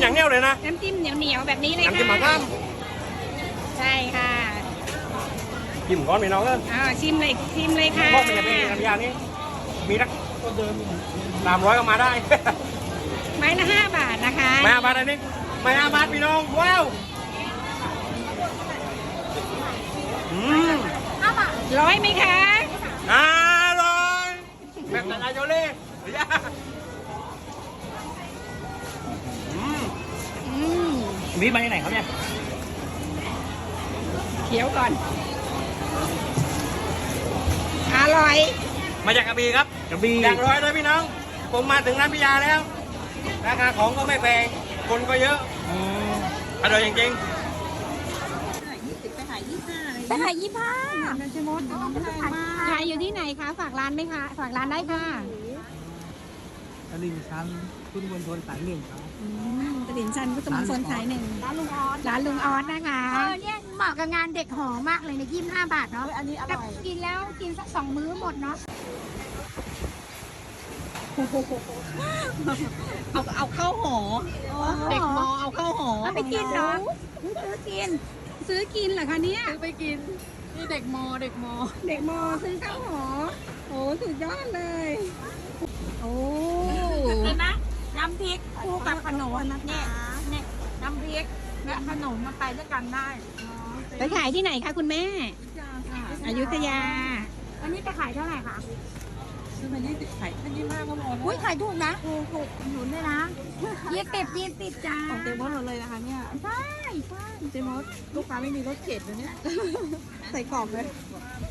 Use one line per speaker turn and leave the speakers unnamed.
อย่างเนี้ยเลยนะ
น้ำจิ้มเหนียวๆแบบนี้เลยค่ะ
น้ำจิ้มหมาล่
ใช่ค่ะ
ำจิ้มก้อนพี่น้องเอ้ย
ชิมเลยค่ะ
พวกมันจะเป็นน้ำยานี้มีรัก300ก็มาได้
ไม้ละ5 บาทนะคะ
ไม่5 บาทอันนี้ไม่5 บาทพี่น้องว้าว
ร้อยไหมคะ
อร่อยแบบนายโยเล่เดี๋ยววิมาที่ไหนครับเนี่ย
เคี้ยวก่อน อร่อย
มาจากกระบี่ครับกระบี่อย่างร้อยเลยพี่น้องผมมาถึงร้านพิยาแล้วราคาของก็ไม่แพงคนก็เยอะอร่อยจริง
ไปขาย25ขายอยู่ที่ไหนคะ ฝากร้านไหมคะ ฝากร้านได้ค่ะ
ตลิ่งชันพุทธมณฑลสายหนึ่งครับ
ตลิ่งชันพุทธมณฑลสายหนึ่ง
ร้านลุงออส
ร้านลุงออสนะคะ
เนี่ยเหมาะกับงานเด็กหอมากเลยใน25 บาทเนาะ
อันนี้อร่อย
กินแล้วกินสัก2 มื้อหมดเนาะ
เอาเข้าหอ เด็กมอเอาเข้าหอ
เอาไปกินเนาะ
ซื้อกินเหรอคะเนี่ย
ซื้อไปกิน นี่เด็กมอ
เด็กมอซื้อเข้าหอ โอ้สุดยอดเลย โอ้
เห็นไหมน้ำพริกคู่กับขนมเนี่ยน้ำพริกและขนมมาไปด้วยกันได้
ไปขายที่ไหนคะคุณแม่ อยุธยา
อันนี้จะขายเท่าไหร่คะ
ซื้อมา20ขายแค่25ก็พอ
อุ้ยขายถูกนะถูกหนุนด้วยนะ20จ้า
ของเต็มหมดเลยนะคะเนี่ย
ใช่
เจมส์ลูกค้าไม่มีรถเข็นเลยเนี่ย ใส่กล่องเลย